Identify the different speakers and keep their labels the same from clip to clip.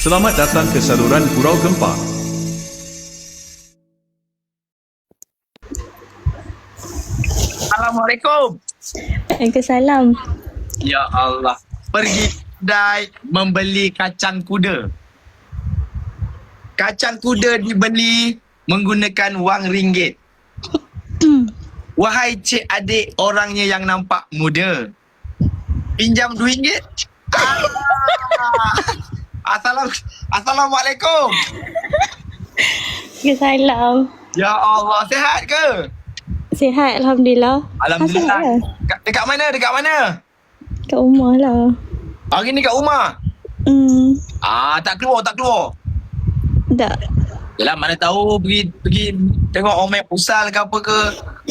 Speaker 1: Selamat datang ke saluran Gurau Gempa.
Speaker 2: Assalamualaikum.
Speaker 3: Waalaikumsalam.
Speaker 2: Ya Allah. Pergi kedai membeli kacang kuda. Kacang kuda dibeli menggunakan wang ringgit. Wahai cik adik orangnya yang nampak muda. Pinjam RM2. Assalamualaikum.
Speaker 3: Waalaikumsalam.
Speaker 2: Ya Allah, sihat ke?
Speaker 3: Sihat, Alhamdulillah.
Speaker 2: Alhamdulillah.
Speaker 3: Sihat lah.
Speaker 2: Dekat mana? Dekat mana?
Speaker 3: Kat rumah lah.
Speaker 2: Hari ni kat rumah. Tak keluar.
Speaker 3: Tak.
Speaker 2: Yalah, mana tahu pergi tengok Omek Pusal ke apa ke.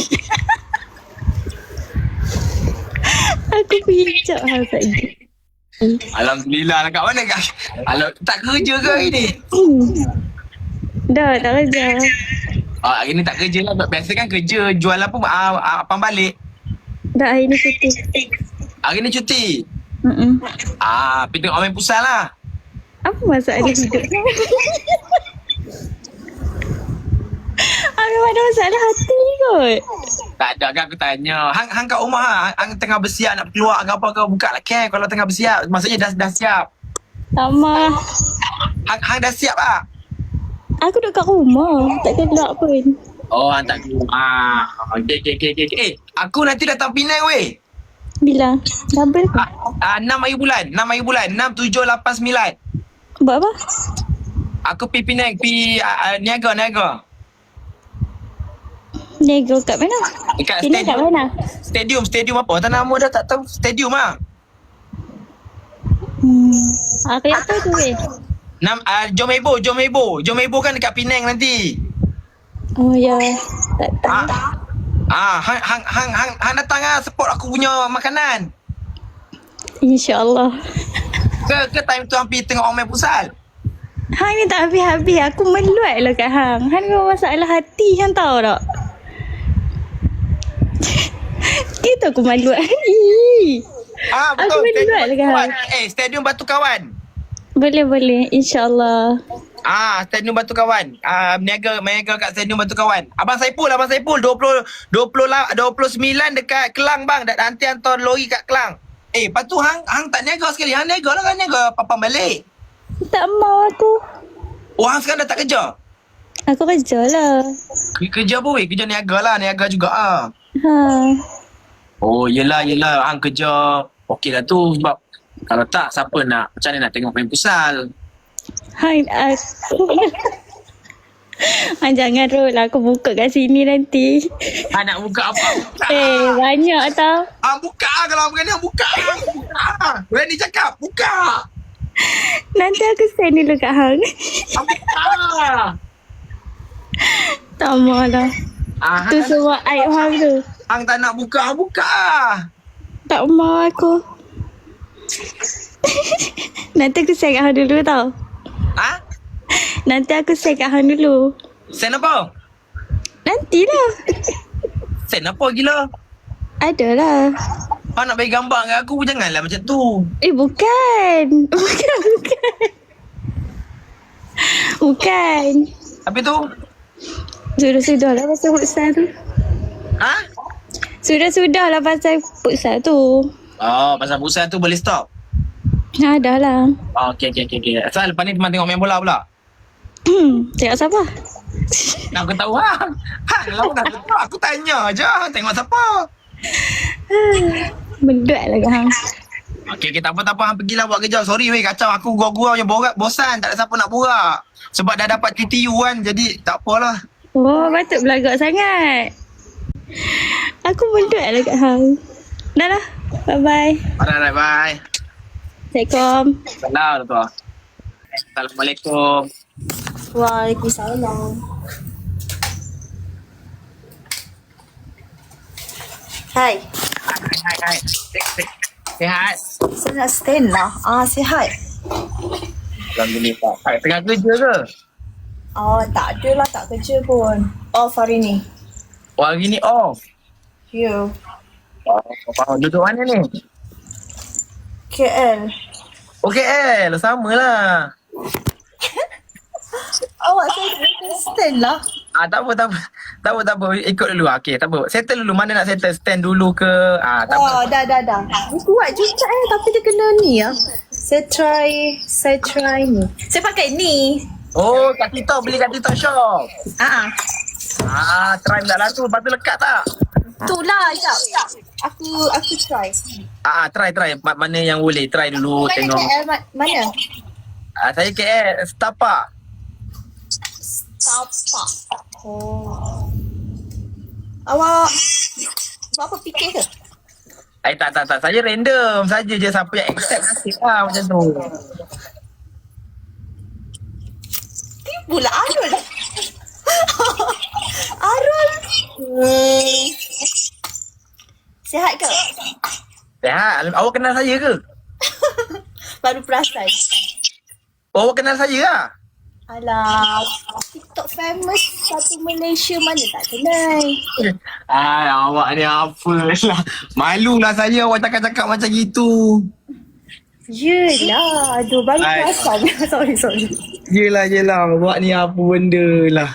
Speaker 3: Aku pergi hijab hal lagi.
Speaker 2: Alhamdulillah lah. Kat mana kak? Tak kerja ke hari ni?
Speaker 3: Dah, tak kerja.
Speaker 2: Hari ni tak kerja lah. Biasa kan kerja jual apa abang balik.
Speaker 3: Dah, hari ni cuti.
Speaker 2: Hari ni cuti.
Speaker 3: Mm-mm.
Speaker 2: Pergi tengok Omek Pusal lah.
Speaker 3: Apa masalah hidup? Aku ada masalah hati kot.
Speaker 2: Tak ada kan aku tanya. Hang kat rumah lah. Hang tengah bersiap nak keluar ke apa ke. Buka lah cam kalau tengah bersiap. Maksudnya dah siap.
Speaker 3: Sama.
Speaker 2: Hang dah siap lah.
Speaker 3: Aku duduk kat rumah. Tak keluar pun.
Speaker 2: Oh, hang tak keluar. Okay. Aku nanti datang Penang weh.
Speaker 3: Bila? Double ke?
Speaker 2: 6 hari bulan. 6, 7, 8, 9.
Speaker 3: Buat apa?
Speaker 2: Aku pergi Penang. Pergi Niaga.
Speaker 3: Nego kat mana?
Speaker 2: Dekat
Speaker 3: Sini kat mana?
Speaker 2: Stadium apa? Tak nama dah tak tahu. Stadium lah.
Speaker 3: Aku yang tahu tu weh.
Speaker 2: Jom Hebo kan dekat Penang nanti.
Speaker 3: Oh ya. Tak tahu.
Speaker 2: Hang datang lah support aku punya makanan.
Speaker 3: InsyaAllah.
Speaker 2: Ke time tu hampir tengok Omek Pusal.
Speaker 3: Hang ni tak habis-habis. Aku meluat lah kat Hang. Hang ni masalah hati. Hang tahu tak? Itu aku meluat.
Speaker 2: Betul.
Speaker 3: Aku meluat lah kat Hang.
Speaker 2: Stadium Batu Kawan.
Speaker 3: Boleh. InsyaAllah.
Speaker 2: Stadium Batu Kawan. Meniaga kat Stadium Batu Kawan. Abang Saipul 29 dekat Kelang bang. Nanti hantar lori kat Kelang. Lepas tu hang tak niaga sekali. Hang niaga lah kan, niaga papan balik.
Speaker 3: Tak mau aku.
Speaker 2: Hang sekarang dah tak kerja?
Speaker 3: Aku kerja lah.
Speaker 2: Kerja apa weh? Kerja niaga lah. Niaga juga Oh, yelah. Hang kerja. Okey lah tu. Sebab kalau tak, siapa nak? Macam mana nak tengok main Pusal?
Speaker 3: Hang aku. Hang jangan roll lah. Aku buka kat sini nanti.
Speaker 2: Nak buka apa?
Speaker 3: Banyak tau.
Speaker 2: Buka kalau berani buka. Berani cakap, buka.
Speaker 3: Nanti aku send dulu kat Hang.
Speaker 2: Buka.
Speaker 3: Tak mau lah. Tu semua aib Hang tu.
Speaker 2: Hang tak nak buka, buka.
Speaker 3: Tak mau aku. Nanti aku send kat Hang dulu tau. Nanti aku send kat Hang dulu.
Speaker 2: Send apa?
Speaker 3: Nantilah.
Speaker 2: Send apa gila?
Speaker 3: Adalah.
Speaker 2: Hang nak bagi gambar kat aku, janganlah macam tu.
Speaker 3: Bukan. Bukan.
Speaker 2: Habis tu?
Speaker 3: Sudah lah pasal futsal tu. Sudah lah pasal futsal tu.
Speaker 2: Pasal Pusal tu boleh stop?
Speaker 3: Dah lah.
Speaker 2: Okay. Asal lepas ni teman tengok main bola pula?
Speaker 3: Tengok siapa?
Speaker 2: Nak aku tahu hang. Kalau nak tahu, aku tanya je. Tengok siapa?
Speaker 3: Menduat lah kat Hang.
Speaker 2: Okay, tak apa. Hang pergilah buat kerja. Sorry weh, kacau. Aku gurau-gurau je borak. Bosan. Tak ada siapa nak borak. Sebab dah dapat TTU kan. Jadi tak apalah.
Speaker 3: Oh, patut belagak sangat. Aku menduat lah kat Hang. Dah lah. Bye-bye.
Speaker 2: Alright, bye.
Speaker 3: Assalamualaikum.
Speaker 2: Salam, tuan. Assalamualaikum.
Speaker 4: Waalaikumsalam. Hai.
Speaker 2: Hai. Sihat?
Speaker 4: Saya nak stand lah. Sihat.
Speaker 2: Alhamdulillah. Hai, tengah kerja ke?
Speaker 4: Tak ada lah. Tak kerja pun. Off hari ni.
Speaker 2: Hari ni off.
Speaker 4: You.
Speaker 2: Duduk mana ni?
Speaker 4: KL.
Speaker 2: Okay, sama lah.
Speaker 4: awak saya stand lah.
Speaker 2: Tak apa, tak apa. Tak apa, tak apa. Ikut dulu. Okey, tak apa. Settle dulu. Mana nak settle? Stand dulu ke? Tak apa.
Speaker 4: Oh, dah. Dia kuat juga tapi dia kena ni ya. Saya try ni. Saya pakai ni.
Speaker 2: Oh, kat TikTok. Beli kat TikTok shop. Try pula lah tu. Lepas tu lekat tak?
Speaker 4: Tu lah, jap. Aku try.
Speaker 2: Try. Mana yang boleh. Try dulu.
Speaker 4: Mana
Speaker 2: Tengok.
Speaker 4: KL mana?
Speaker 2: Saya KL. Setapak.
Speaker 4: Tapak. Oh. Awak apa fikir ke?
Speaker 2: Tak. Saya random saja je. Siapa yang accept nasib lah macam tu.
Speaker 4: Pula Arul. Arul. Sihat ke?
Speaker 2: Sehat. Awak kenal saya ke?
Speaker 4: Baru perasan.
Speaker 2: Oh, awak kenal saya lah?
Speaker 4: Alah, TikTok famous satu Malaysia mana tak kenal.
Speaker 2: Awak ni apa lah. Malulah saya awak cakap-cakap macam gitu.
Speaker 4: Yelah, aduh baru perasan. Sorry.
Speaker 2: Yelah. Awak ni apa benda lah.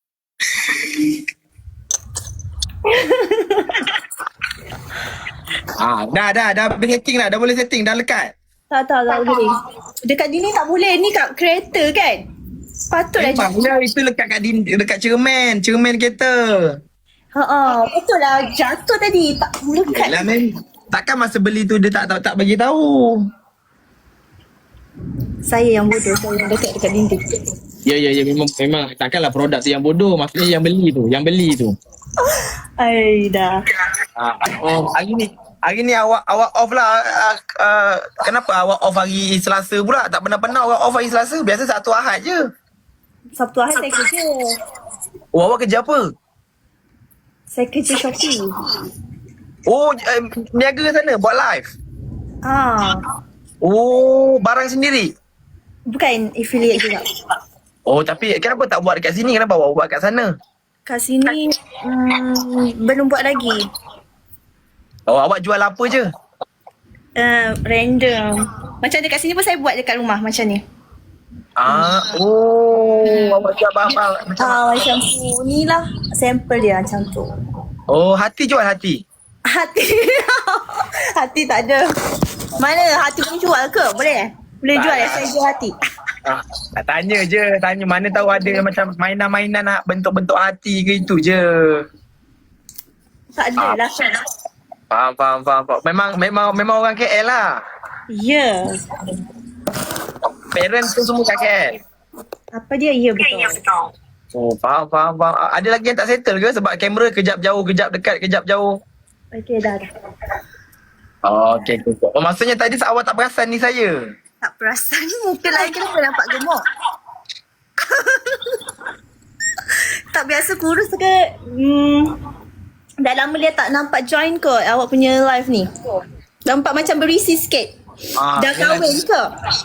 Speaker 2: Dah habis setting dah. Dah boleh setting. Dah lekat.
Speaker 4: Tak boleh. Dekat dinding tak boleh. Ni kat kereta kan? Patutlah
Speaker 2: Memanglah itu lekat kat dekat cermin kereta.
Speaker 4: Patutlah jatuh tadi. Tak melekat.
Speaker 2: Yalah takkan masa beli tu dia tak bagi tahu.
Speaker 4: Saya yang bodoh. Saya yang dekat dinding.
Speaker 2: Ya memang takkanlah produk tu yang bodoh, maksudnya yang beli tu.
Speaker 4: Ai dah.
Speaker 2: Hari ni awak off lah. Kenapa awak off hari Selasa pula? Tak pernah awak off hari Selasa. Biasa Sabtu Ahad je.
Speaker 4: Sabtu Ahad saya kerja.
Speaker 2: Oh, awak kerja apa?
Speaker 4: Saya kerja Shopee.
Speaker 2: Oh, niaga sana buat live. Oh, barang sendiri.
Speaker 4: Bukan affiliate juga.
Speaker 2: Oh, tapi kenapa tak buat dekat sini? Kenapa awak buat kat sana?
Speaker 4: Kat sini belum buat lagi.
Speaker 2: Oh, awak jual apa je?
Speaker 4: Random. Macam dekat sini pun saya buat dekat rumah macam ni.
Speaker 2: Awak jual apa?
Speaker 4: Macam tu. Ni lah sampel dia macam tu.
Speaker 2: Oh, hati jual hati?
Speaker 4: Hati. Hati tak ada. Mana hati boleh jual ke? Boleh jual saya jual hati.
Speaker 2: Tanya mana tahu ada macam mainan-mainan nak bentuk-bentuk hati ke itu je.
Speaker 4: Tak ada lah.
Speaker 2: Faham. Memang orang KL lah.
Speaker 4: Ya.
Speaker 2: Parents tu semua kat KL.
Speaker 4: Apa dia? Ya betul.
Speaker 2: Oh, faham. Ada lagi yang tak settle ke sebab kamera kejap jauh, kejap dekat, kejap jauh?
Speaker 4: Okey dah.
Speaker 2: Oh, okey. Oh, maksudnya tadi awak tak perasan ni saya?
Speaker 4: Tak perasan. Muka lain kenapa nampak gemuk? Tak biasa kurus ke? Dah lama dia tak nampak join ke awak punya live ni? Nampak macam berisi sikit. Dah kahwin ke?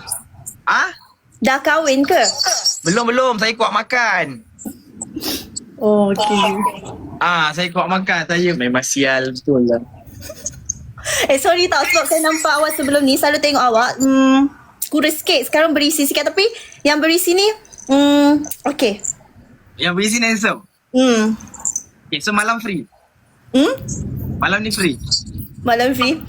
Speaker 4: Dah kahwin ke?
Speaker 2: Belum. Saya kuat makan.
Speaker 4: Oh, okey.
Speaker 2: Saya kuat makan. Saya memang sial betul lah.
Speaker 4: Sorry tau sebab saya nampak awak sebelum ni selalu tengok awak kurus sikit. Sekarang berisi sikit tapi yang berisi ni okey.
Speaker 2: Yang berisi ni handsome? Okay, so malam free? Malam ni free?
Speaker 4: Malam free?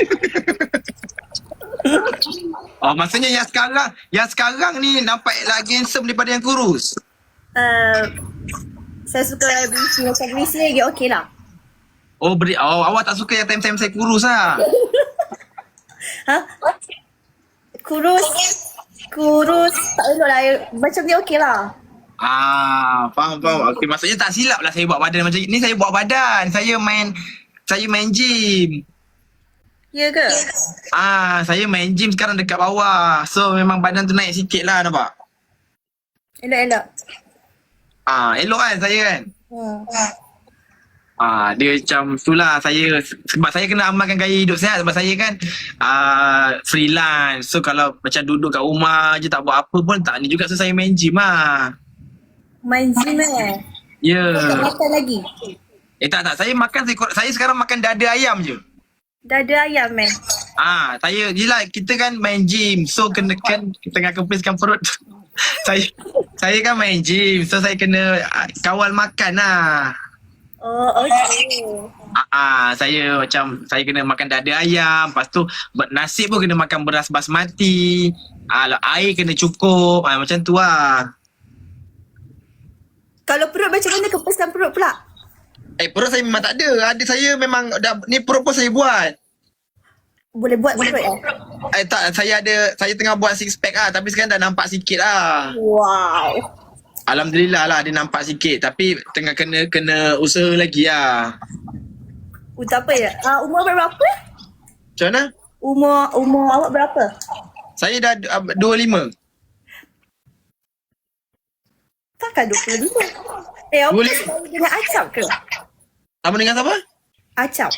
Speaker 2: Maksudnya yang sekarang ni nampak lagi handsome daripada yang kurus?
Speaker 4: Saya suka berisi. Macam berisi lagi okey lah.
Speaker 2: Awak tak suka yang time-time saya kurus lah?
Speaker 4: Kurus tak elok lah. Macam ni okey lah.
Speaker 2: Faham. Okay, maksudnya tak silap lah saya buat badan macam ni. Saya buat badan. Saya main gym.
Speaker 4: Ya ke?
Speaker 2: Saya main gym sekarang dekat bawah. So memang badan tu naik sikit lah, nampak?
Speaker 4: Elok.
Speaker 2: Elok kan saya kan? Dia macam tu lah saya. Sebab saya kena amalkan gaya hidup sihat. Sebab saya kan freelance. So kalau macam duduk kat rumah je tak buat apa pun tak ni juga. So saya main gym lah.
Speaker 4: Main gym
Speaker 2: Ya.
Speaker 4: Tak makan lagi?
Speaker 2: Tak. Saya makan, saya sekarang makan dada ayam je.
Speaker 4: Dada ayam
Speaker 2: Saya, yelah kita kan main gym. So kena kan tengah kempiskan perut. Saya Saya kan main gym. So saya kena kawal makan lah.
Speaker 4: Oh, okay.
Speaker 2: Saya kena makan dada ayam. Lepas tu nasi pun kena makan beras basmati. Air kena cukup. Macam tu lah.
Speaker 4: Kalau perut macam mana kepesan perut pula?
Speaker 2: Perut saya memang tak ada. Ada saya memang ni perut pun saya buat.
Speaker 4: Boleh buat perut
Speaker 2: Tak, saya tengah buat six pack lah. Tapi sekarang dah nampak sikit lah.
Speaker 4: Wow.
Speaker 2: Alhamdulillah lah dia nampak sikit. Tapi tengah kena usaha lagi lah.
Speaker 4: Tak apa ya. Umur berapa?
Speaker 2: Macam mana?
Speaker 4: Umur awak berapa?
Speaker 2: Saya dah 25.
Speaker 4: Takkan 25. Awak
Speaker 2: Boleh.
Speaker 4: selalu dengan acap ke?
Speaker 2: Apa dengan siapa?
Speaker 4: Acap.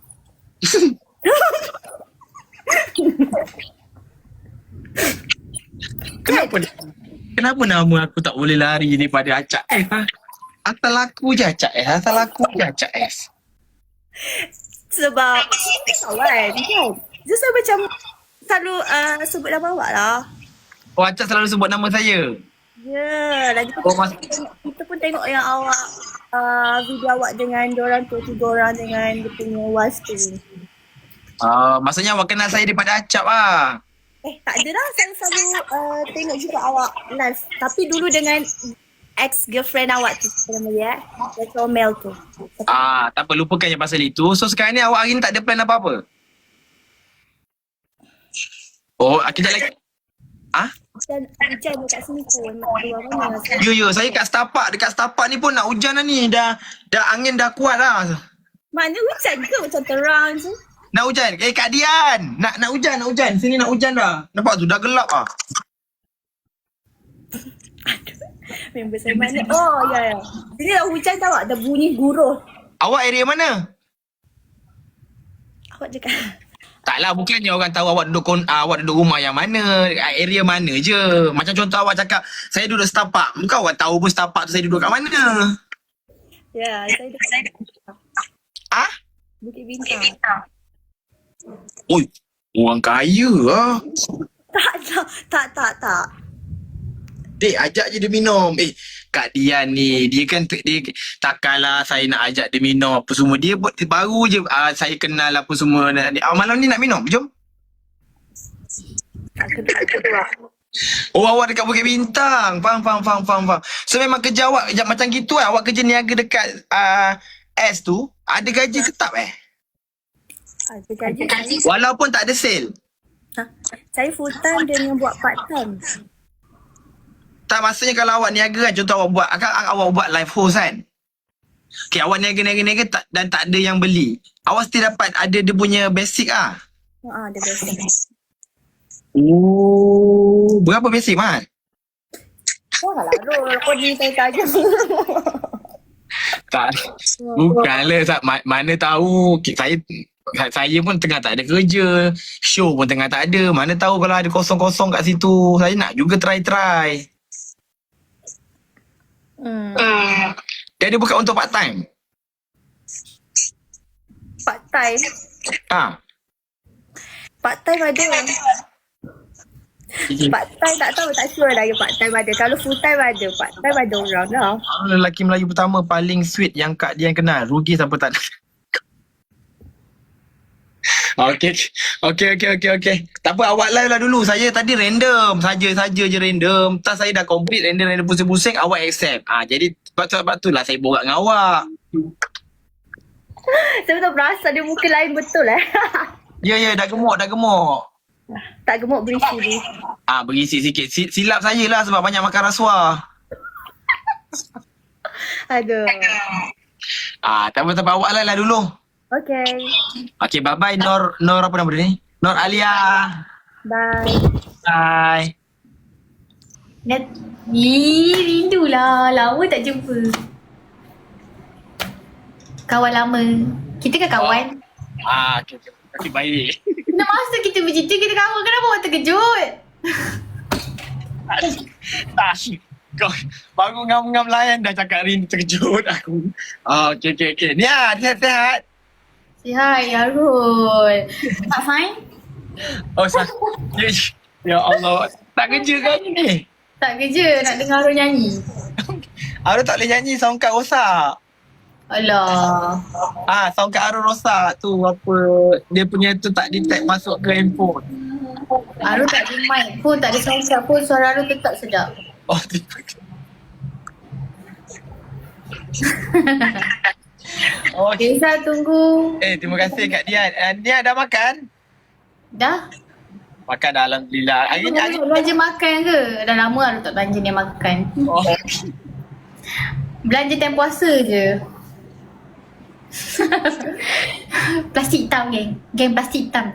Speaker 2: Kenapa nama aku tak boleh lari daripada Acak Asal aku je Acak
Speaker 4: Sebab kawan kan. Just macam selalu sebut nama awak lah.
Speaker 2: Oh, Acak selalu sebut nama saya.
Speaker 4: Ya, lagi tu kita pun tengok yang awak video awak dengan diorang tu, 3 orang dengan dia punya was tu.
Speaker 2: Maksudnya awak kenal saya daripada Acap lah.
Speaker 4: Tak ada lah, saya selalu tengok juga awak live. Tapi dulu dengan ex-girlfriend awak tu, nama dia Comel tu.
Speaker 2: Tak apa, lupakan yang pasal itu. So sekarang ni awak hari ni tak ada plan apa-apa? Oh, kejap lagi.
Speaker 4: Hujan dekat sini pun nak keluar mana.
Speaker 2: Ya, saya kat Setapak. Dekat Setapak ni pun nak hujan lah ni. Dah angin dah kuat lah.
Speaker 4: Mana hujan ke macam terang je?
Speaker 2: Nak hujan. Kak Dian. Nak hujan. Sini nak hujan dah. Nampak tu dah gelap lah.
Speaker 4: Member saya mana? Oh, ya. Sini dah hujan tau, dah bunyi guruh.
Speaker 2: Awak area mana?
Speaker 4: Awak cakap.
Speaker 2: Taklah, bukannya orang tahu awak duduk rumah yang mana, area mana je. Macam contoh awak cakap, saya duduk Setapak. Bukan awak tahu pun Setapak tu saya duduk kat mana.
Speaker 4: Ya, saya dekat Bukit Bintang.
Speaker 2: Oi, orang kaya lah.
Speaker 4: Tak.
Speaker 2: Dek, ajak je dia minum. Kak Dian ni, dia takkanlah saya nak ajak dia minum apa semua. Dia baru je saya kenal apa semua. Malam ni nak minum, jom. Oh, awak dekat Bukit Bintang. Faham. So memang kerja awak macam gitu lah. Awak kerja niaga dekat S tu, ada gaji tetap
Speaker 4: Ada gaji.
Speaker 2: Walaupun tak ada sale.
Speaker 4: Saya full time dengan buat part time.
Speaker 2: Tak, maksudnya kalau awak niaga kan, contoh awak buat live host kan. Okay, awak niaga dan tak ada yang beli. Awak still dapat ada dia punya basic ah.
Speaker 4: Ada basic.
Speaker 2: Oh, berapa basic Mat?
Speaker 4: Lah, kau ni saya saja.
Speaker 2: Tak, bukanlah mana tahu saya pun tengah tak ada kerja. Show pun tengah tak ada. Mana tahu kalau ada kosong-kosong kat situ. Saya nak juga try. Dia ada buka untuk part time?
Speaker 4: Part time? Part time ada. Part time tak tahu, tak sure lagi part time ada. Kalau full time ada, part time ada orang lah.
Speaker 2: Lelaki Melayu pertama paling sweet yang Kak Dian kenal. Rugi sampai tak ada. Okay. Tak apa, awak live lah dulu. Saya tadi random. Saja je random. Tak, saya dah complete random pusing-pusing. Awak accept. Jadi sebab tu lah saya borak dengan awak.
Speaker 4: Saya betul perasan dia muka lain betul
Speaker 2: Ya, dah gemuk.
Speaker 4: Tak gemuk berisi.
Speaker 2: Berisi sikit. Silap saya lah sebab banyak makan rasuah.
Speaker 4: Aduh.
Speaker 2: Tak apa, awak live lah dulu. Okay, bye-bye Nor apa nama dia ni? Nor Alia. Bye.
Speaker 3: Rindulah. Lama tak jumpa. Kawan lama. Kita kan kawan?
Speaker 2: Okay, baik.
Speaker 3: Nak masa kita bercerita, kita kawan. Kenapa awak terkejut?
Speaker 2: Kau baru ngam-ngam layan dah cakap rindu, terkejut aku. Okay. Ni sihat-sihat.
Speaker 3: Sihat, Yarul. Tak fine?
Speaker 2: Ya Allah. Tak kerja kan ni?
Speaker 4: Tak kerja nak dengar Arul nyanyi.
Speaker 2: Arul tak boleh nyanyi, sound card rosak.
Speaker 4: Alah.
Speaker 2: Sound card Arul rosak tu apa. Dia punya tu tak detect masuk ke handphone.
Speaker 4: Arul tak ada mic pun, tak ada sound card pun, suara Arul tetap sedap.
Speaker 2: Oh, tiba. Oh,
Speaker 4: Desa tunggu.
Speaker 2: terima kasih Kak Dian. Dian dah makan?
Speaker 4: Dah?
Speaker 2: Makan dah, Alhamdulillah. Hari ni
Speaker 4: Arul belanja makan ke? Dah lama Arul tak belanja dia makan.
Speaker 2: Oh.
Speaker 4: Belanja time puasa je. Plastik hitam geng. Geng plastik hitam.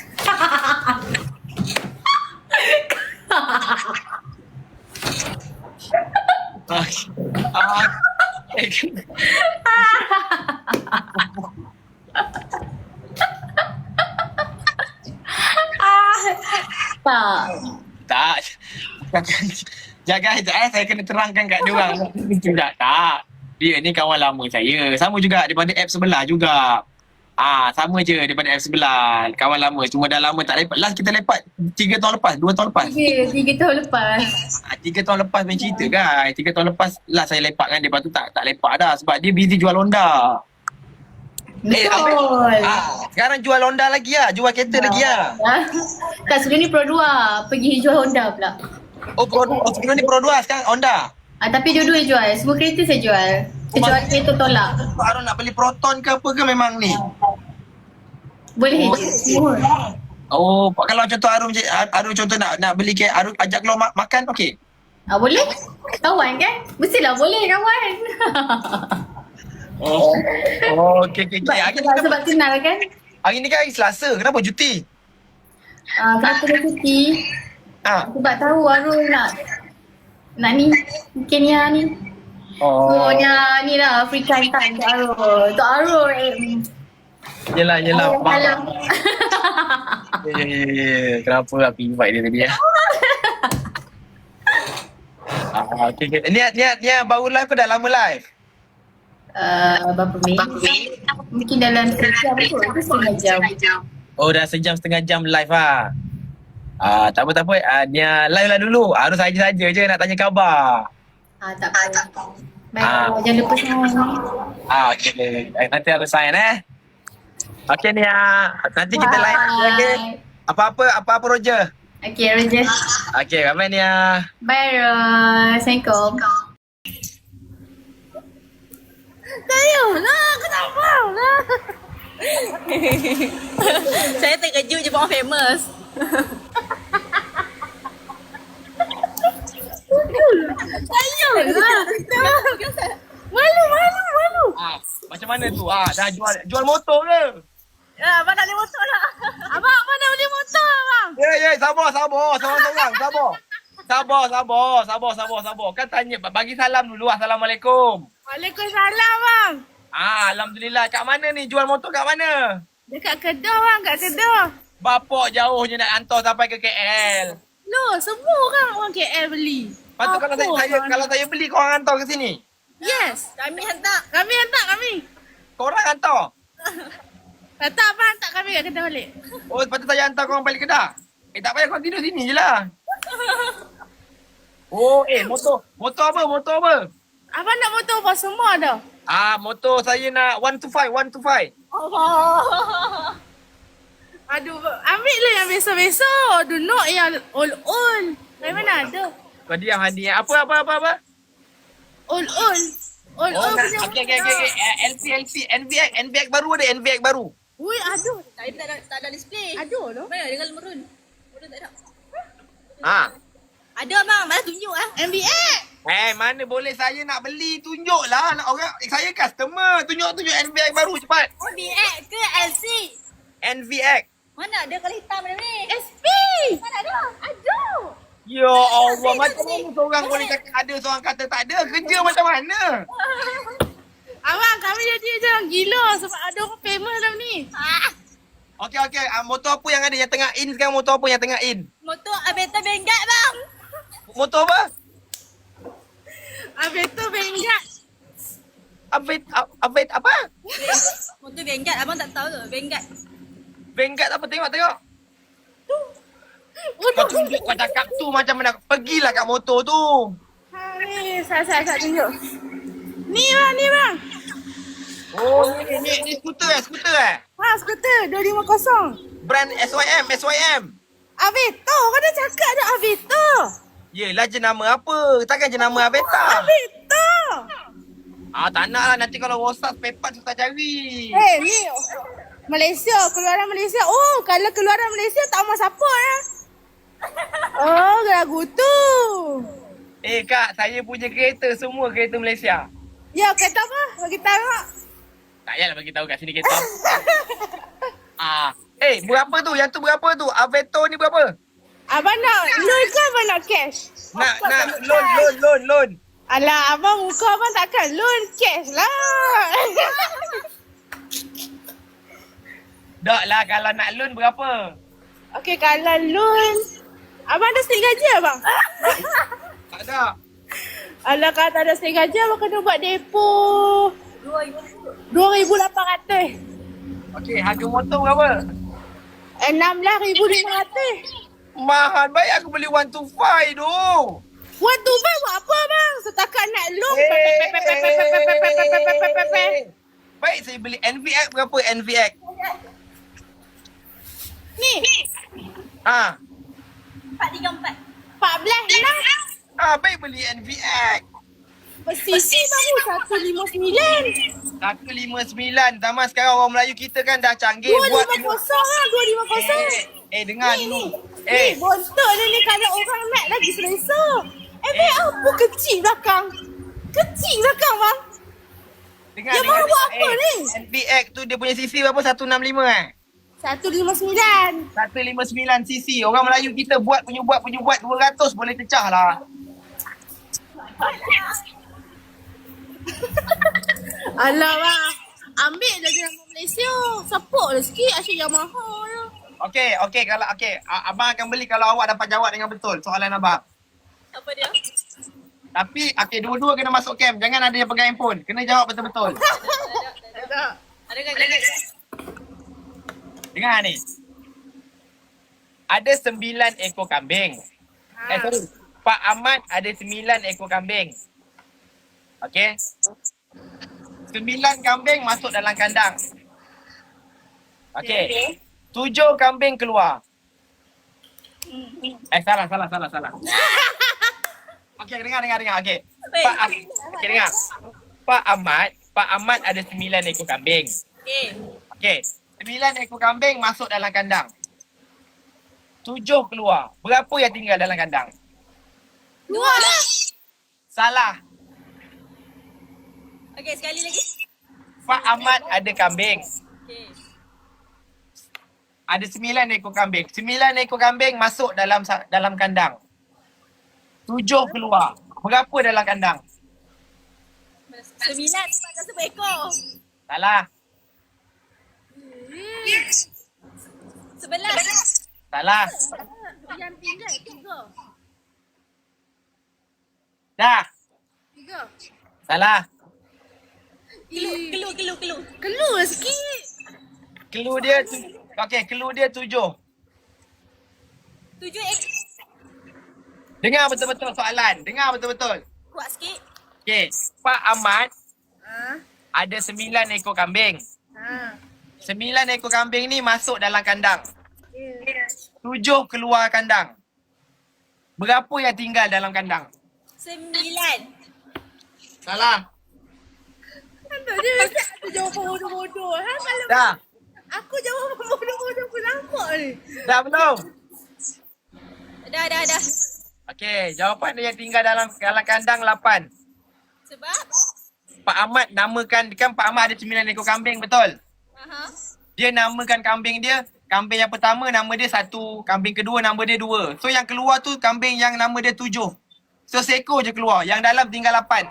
Speaker 4: Tak.
Speaker 2: Tak. Jaga sekejap saya kena terangkan kat dia orang. Tak. Dia ni kawan lama saya. Sama juga daripada app sebelah juga. Sama je daripada app sebelah. Kawan lama. Cuma dah lama tak lepak. Last kita lepak 3 tahun lepas, 2 tahun lepas.
Speaker 4: 3 tahun lepas.
Speaker 2: 3 tahun lepas main cerita kan. 3 tahun lepas last saya lepak kan dia. Lepas tu tak lepak dah sebab dia busy jual Honda.
Speaker 4: Betul.
Speaker 2: Sekarang jual Honda lagi lah. Jual kereta lagi lah.
Speaker 4: Tak, sebelum ni Pro 2. Pergi jual Honda pula.
Speaker 2: Sebelum ni Pro 2 sekarang Honda.
Speaker 4: Tapi dua-dua jual. Semua kereta saya jual. Kecuali kereta tolak.
Speaker 2: Arul nak beli Proton ke apa ke memang ni?
Speaker 4: Boleh je. Semua.
Speaker 2: Oh, kalau contoh Arul contoh nak beli ke Arul ajak keluar makan okey.
Speaker 4: Boleh? Kawan kan? Mestilah boleh kawan.
Speaker 2: Oh, okey.
Speaker 4: Sebab kenal kan?
Speaker 2: Hari ni kan hari Selasa. Kenapa cuti?
Speaker 4: Kenapa dia cuti? Sebab tahu Arul nak ni Kenya ni. Ni lah free time untuk Arul. Untuk Arul
Speaker 2: Yelah.
Speaker 4: Alam.
Speaker 2: Kenapa aku invite dia tadi ya? Okay. Ni baru live ke dah lama live?
Speaker 4: Berapa minit? Mungkin dalam sejam kot. Itu setengah jam.
Speaker 2: Oh, dah sejam setengah jam live lah. Tak apa. Nia live lah dulu. Harus saja je nak tanya khabar.
Speaker 4: Tak apa. Baik, jangan lupa sign.
Speaker 2: Okay. Nanti harus sign Okay Nia. Nanti kita live lagi. Apa Roger?
Speaker 4: Okay, Roger.
Speaker 2: Okay, bye Nia.
Speaker 4: Bye, Ros. Assalamualaikum.
Speaker 3: Sayanglah, kenapa lah? Saya terkejut je orang famous. Sayanglah. Malu.
Speaker 2: Macam mana tu? Dah jual motor ke?
Speaker 3: Ya, abang nak beli motor lah. Abang nak beli motor abang.
Speaker 2: Ya, sabar. Sabar. Kan tanya, bagi salam dulu. Assalamualaikum.
Speaker 3: Waalaikumsalam bang.
Speaker 2: Alhamdulillah. Kat mana ni? Jual motor kat mana?
Speaker 3: Dekat Kedah bang, kat Kedah.
Speaker 2: Bapak jauhnya nak hantar sampai ke KL.
Speaker 3: Loh, semua orang KL beli.
Speaker 2: Lepas tu kalau saya beli, korang hantar ke sini?
Speaker 3: Yes, kami hantar. Korang hantar. Tak abang hantar kami kat Kedah balik.
Speaker 2: Oh, lepas tu saya hantar korang balik Kedah? Tak payah korang tidur sini je lah. Oh, motor apa?
Speaker 3: Abang nak motor apa? Semua ada.
Speaker 2: Motor saya nak 125.
Speaker 3: Allah. Aduh, ambil lah yang biasa-biasa. Do not yang all. Dari mana ada?
Speaker 2: Kau diam hadiah. Apa?
Speaker 3: All punya.
Speaker 2: Okay. NVX baru ada, NVX baru.
Speaker 3: Ui, aduh.
Speaker 5: Tak ada display.
Speaker 3: Aduh loh.
Speaker 5: Mana dengan merun? Merun tak ada.
Speaker 3: Ada bang, mana tunjuk MBX.
Speaker 2: Mana boleh saya nak beli, tunjuklah. Orang saya customer, tunjuk NVX baru cepat.
Speaker 5: MBX ke LC?
Speaker 2: NVX.
Speaker 5: Mana ada kalau hitam ni?
Speaker 3: SP.
Speaker 5: Mana ada?
Speaker 3: Aduh.
Speaker 2: Ya Allah, macam mana seorang boleh cakap ada, seorang kata tak ada? Kerja macam mana?
Speaker 3: Abang, kami jadi macam gila sebab ada orang famous dalam ni.
Speaker 2: Okey. Motor apa yang ada yang tengah in sekarang? Motor apa yang tengah in?
Speaker 5: Motor Aveta Vanguard bang.
Speaker 2: Motor apa?
Speaker 3: Aveto Vanguard.
Speaker 2: Avet apa?
Speaker 5: Motor Vanguard abang tak tahu ke? Vanguard.
Speaker 2: Vanguard apa? Tengok. Kau tunjuk kau cakap tu macam mana. Pergilah kat motor tu.
Speaker 3: Ha, ni, saya tunjuk. Ni bang.
Speaker 2: Oh, ni skuter eh?
Speaker 3: Ha, skuter 250.
Speaker 2: Brand SYM.
Speaker 3: Aveto, kau dah cakap dah Aveto.
Speaker 2: Yelah jenama apa? Takkan jenama Aveta.
Speaker 3: Aveto.
Speaker 2: Tak nak lah. Nanti kalau rosak pepat susah cari.
Speaker 3: Ni Malaysia, keluaran Malaysia. Oh, kalau keluaran Malaysia tak mau support lah. Oh, lagu tu.
Speaker 2: Kak, saya punya kereta semua kereta Malaysia.
Speaker 3: Ya, kereta apa? Bagi tahu.
Speaker 2: Tak payahlah bagi tahu kat sini kereta. Berapa tu? Yang tu berapa tu? Aveto ni berapa?
Speaker 3: Abang nak loan ke abang nak cash?
Speaker 2: Nak loan.
Speaker 3: Alah, abang muka abang takkan loan cash lah.
Speaker 2: Tak lah, kalau nak loan berapa?
Speaker 3: Okey, kalau loan. Abang ada stay gaji abang?
Speaker 2: Tak ada.
Speaker 3: Alah, kalau tak ada stay gaji abang kena buat depo. 2,800.
Speaker 2: Okey, harga motor berapa?
Speaker 3: 16,500.
Speaker 2: Mahal, baik aku beli 125 tu.
Speaker 3: 125 buat apa bang? Setakat nak loan.
Speaker 2: Baik, saya beli NVX berapa NVX?
Speaker 3: Ni.
Speaker 5: 434.
Speaker 3: 14
Speaker 2: Baik beli NVX.
Speaker 3: Sisi baru 159.
Speaker 2: 159. Zaman sekarang orang Melayu kita kan dah canggih.
Speaker 3: 250 lah, 250.
Speaker 2: Dengar
Speaker 3: Ni,
Speaker 2: dulu.
Speaker 3: ni bontot ni kalau orang nak lagi selesa. Apa kecil belakang? Kecil belakang bang.
Speaker 2: Dengar.
Speaker 3: Yang baru buat apa ni?
Speaker 2: NVX tu dia punya CC berapa? 165
Speaker 3: 159.
Speaker 2: 159 CC. Orang Melayu kita buat 200 boleh pecah lah.
Speaker 3: Alah bang. Ambil lagi nama Malaysia. Support lah sikit asyik Yamaha lah.
Speaker 2: Okey, kalau abang akan beli kalau awak dapat jawab dengan betul soalan abang.
Speaker 5: Apa dia?
Speaker 2: Tapi dua-dua kena masuk camp. Jangan ada yang pegang handphone. Kena jawab betul-betul.
Speaker 5: Ada kan?
Speaker 2: Dengar ni. Ada 9 ekor kambing. Sorry. Pak Ahmad ada 9 ekor kambing. Okey. 9 kambing masuk dalam kandang. Okey. 7 kambing keluar. Salah. Okey, dengar. Okey. Dengar. Pak Ahmad ada 9 ekor kambing. Okey. 9 ekor kambing masuk dalam kandang. 7 keluar. Berapa yang tinggal dalam kandang?
Speaker 5: 2 lah.
Speaker 2: Salah.
Speaker 5: Okey, sekali lagi.
Speaker 2: Pak Ahmad ada kambing.
Speaker 5: Okey.
Speaker 2: Ada 9 ekor kambing. 9 ekor kambing masuk dalam kandang. 7 keluar. Berapa dalam kandang?
Speaker 5: 9 sebab tak sebut ekor.
Speaker 2: Salah.
Speaker 5: 11.
Speaker 2: Salah.
Speaker 3: Yang tinggal 3.
Speaker 2: Dah.
Speaker 3: 3.
Speaker 2: Salah.
Speaker 5: Kelu.
Speaker 3: Keluar sikit.
Speaker 2: Clue dia clue dia 7.
Speaker 5: 7 ekor.
Speaker 2: Dengar betul-betul soalan. Dengar betul-betul.
Speaker 5: Kuat sikit.
Speaker 2: Okey. Pak Ahmad
Speaker 3: Ha.
Speaker 2: ada 9 ekor kambing.
Speaker 3: Ha.
Speaker 2: 9 ekor kambing ni masuk dalam kandang.
Speaker 3: Ya.
Speaker 2: 7 keluar kandang. Berapa yang tinggal dalam kandang?
Speaker 5: 9.
Speaker 2: Salah.
Speaker 3: Tak dia mesti aku jawapan bodoh-bodoh. Kalau
Speaker 2: Dah.
Speaker 3: aku jawapan bodoh-bodoh aku nampak ni.
Speaker 2: Dah belum?
Speaker 5: Dah.
Speaker 2: Okey, jawapan dia yang tinggal dalam kandang 8.
Speaker 5: Sebab?
Speaker 2: Pak Ahmad namakan, kan Pak Ahmad ada 9 ekor kambing, betul?
Speaker 5: Aha.
Speaker 2: Dia namakan kambing dia, kambing yang pertama nama dia 1, kambing kedua nama dia 2. So yang keluar tu kambing yang nama dia 7. So seekor je keluar, yang dalam tinggal 8.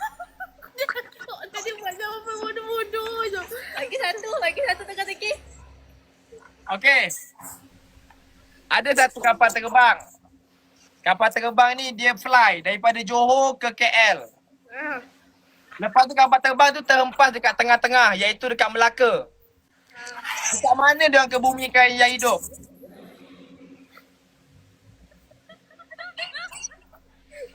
Speaker 3: Tadi buat jawapan bodoh-bodoh je.
Speaker 5: Lagi satu teka-teki.
Speaker 2: Okey. Ada satu kapal terbang. Kapal terbang ni dia fly daripada Johor ke KL.
Speaker 3: Ha.
Speaker 2: Lepas tu kapal terbang tu terhempas dekat tengah-tengah, iaitu dekat Melaka. Dekat mana dia orang kebumikan yang hidup?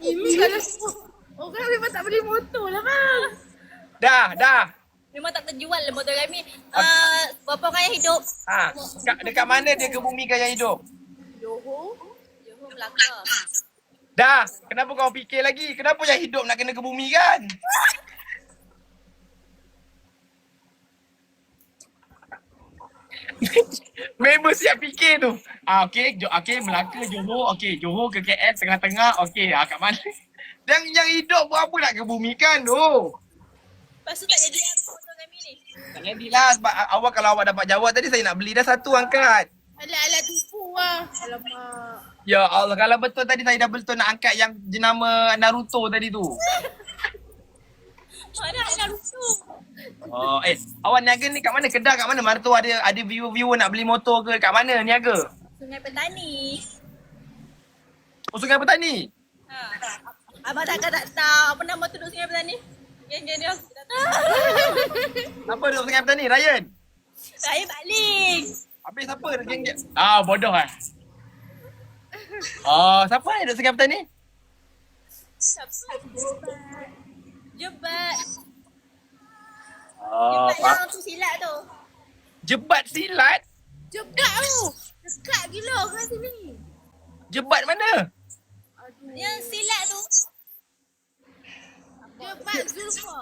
Speaker 3: Ini kalau orang memang tak beli motor lah bang.
Speaker 2: Dah.
Speaker 5: Memang tak terjual lah motor kami. Berapa orang yang hidup?
Speaker 2: Dekat mana dia kebumikan yang hidup?
Speaker 3: Johor.
Speaker 5: Johor, Melaka.
Speaker 2: Dah. Kenapa kau fikir lagi? Kenapa yang hidup nak kena kebumikan? Member siap fikir tu. Okey, Melaka, Johor. Okey, Johor ke KL tengah-tengah. Okey, kat mana? Yang hidup buat apa nak kebumikan tu?
Speaker 5: Lepas tu tak jadi apa motor kami ni.
Speaker 2: Tak jadilah sebab awak kalau awak dapat jawab tadi saya nak beli dah satu angkat.
Speaker 3: Alat-alat tipu lah. Alamak.
Speaker 2: Ya Allah, kalau betul tadi saya dah betul nak angkat yang jenama Naruto tadi tu.
Speaker 5: Mana nak rusuh?
Speaker 2: Oh, awak niaga ni kat mana? Kedah kat mana? Mana tu ada viewer-viewer nak beli motor ke? Kat mana niaga?
Speaker 5: Sungai Petani.
Speaker 2: Oh, Sungai Petani?
Speaker 5: Abang takkan tak tahu apa nama tu duduk Sungai Petani? Geng-geng dia tak tahu.
Speaker 2: Apa duduk Sungai Petani? Ryan?
Speaker 5: Saya baling.
Speaker 2: Habis siapa geng-geng? Bodoh lah. Siapa yang duduk Sungai Petani?
Speaker 5: Siapa? Jebat.
Speaker 2: Oh,
Speaker 5: Jebat yang tu silat tu.
Speaker 2: Jebat silat?
Speaker 3: Jebat tu. Dekat gila kat sini.
Speaker 2: Jebat mana?
Speaker 5: Yang silat tu.
Speaker 3: Jebat Zulfa.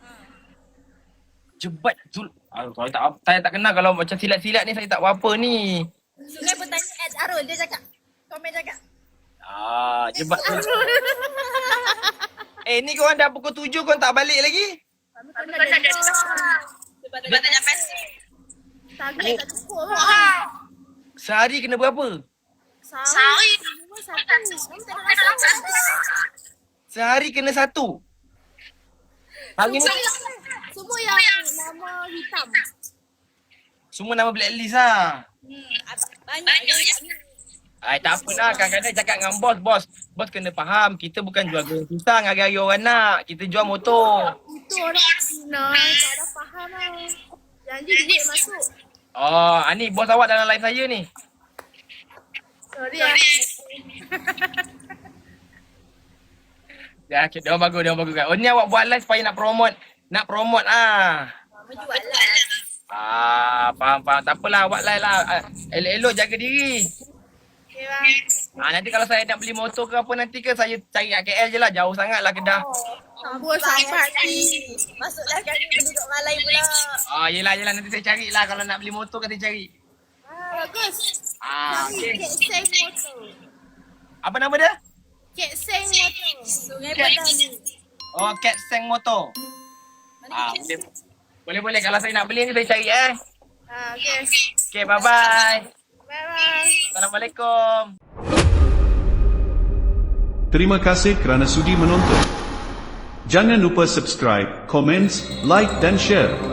Speaker 2: Jebat Zul. Saya tak kenal kalau macam silat-silat ni saya tak apa-apa ni.
Speaker 5: Sungai Petani at Arul dia cakap. Komen cakap.
Speaker 2: Jebat Zul. Ni korang dah pukul 7 korang tak balik lagi?
Speaker 5: Kau nak Jebat tanya pasir.
Speaker 3: Target tak cukup lah.
Speaker 2: Sehari kena berapa?
Speaker 3: Sehari. Cuma satu. Kamu tak nak rasa.
Speaker 2: Sehari kena satu? Hari ni
Speaker 3: Semua yang nama hitam.
Speaker 2: semua nama blacklist lah.
Speaker 5: Banyak je.
Speaker 2: Tak apalah, kadang-kadang cakap dengan bos. Bos kena faham, kita bukan jual goreng pisang hari-hari orang nak. Kita jual motor.
Speaker 3: Itu orang Cina. Kau dah faham lah. Janji duit masuk.
Speaker 2: Ni bos awak dalam live saya ni.
Speaker 3: Sorry lah.
Speaker 2: Ya, dia orang bagus kan. Ni awak buat live supaya nak promote lah.
Speaker 5: Menjual lah.
Speaker 2: Faham. Tak apalah, awak live lah. Elok-elok jaga diri.
Speaker 3: Okay bang.
Speaker 2: Nanti kalau saya nak beli motor ke apa nanti ke saya cari kat KL je lah. Jauh sangat lah Kedah.
Speaker 3: Sambut sampai ni.
Speaker 5: Masuklah kami penduduk Malay pula.
Speaker 2: Yelah. Nanti saya carilah kalau nak beli motor kan saya cari.
Speaker 3: Bagus.
Speaker 2: Okay.
Speaker 3: Kek Seng motor.
Speaker 2: Apa nama dia?
Speaker 3: Kek Seng motor.
Speaker 5: Sungai Petani.
Speaker 2: Cat Seng Motor. Boleh. Kalau saya nak beli ni saya cari
Speaker 3: Okay.
Speaker 2: Okay, bye-bye.
Speaker 3: Bye-bye.
Speaker 2: Assalamualaikum.
Speaker 1: Terima kasih kerana sudi menonton. Jangan lupa subscribe, komen, like dan share.